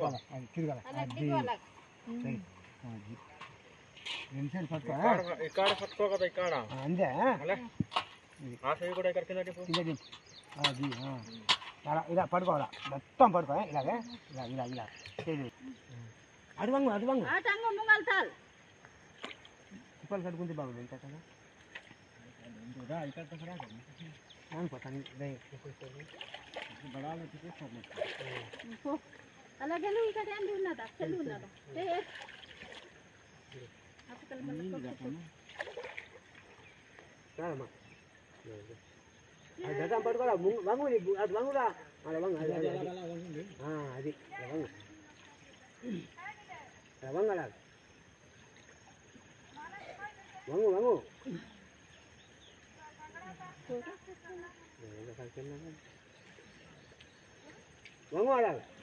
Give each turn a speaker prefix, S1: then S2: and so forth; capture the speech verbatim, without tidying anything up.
S1: అది తిరగాలి అది అది రెండు సైడ్ పట్టుకో
S2: ఇక్కడ పట్టుకో కదా ఇక్కడ
S1: అంతే
S2: ఆ సైడ్ కూడా ఇక్కడ కింద టిప్పు
S1: కింద టిప్పు అది ఇలా ఇలా పడుకోవాలా మొత్తం పడుకో ఇలాగే ఇలా ఇలా ఇలా అటు వంగు అటు వంగు తిప్పలు కట్టుకుంటే బాగుంది ఇంకా కదా
S3: అలాగే ఇంకా ఉన్నదా చెల్లి ఉన్నదా
S1: గతం పట్టుకోరా వంగు అది వంగురా అలా వంగు అది అది వంగు వంగు అలా వంగు వంగు వంగు అలా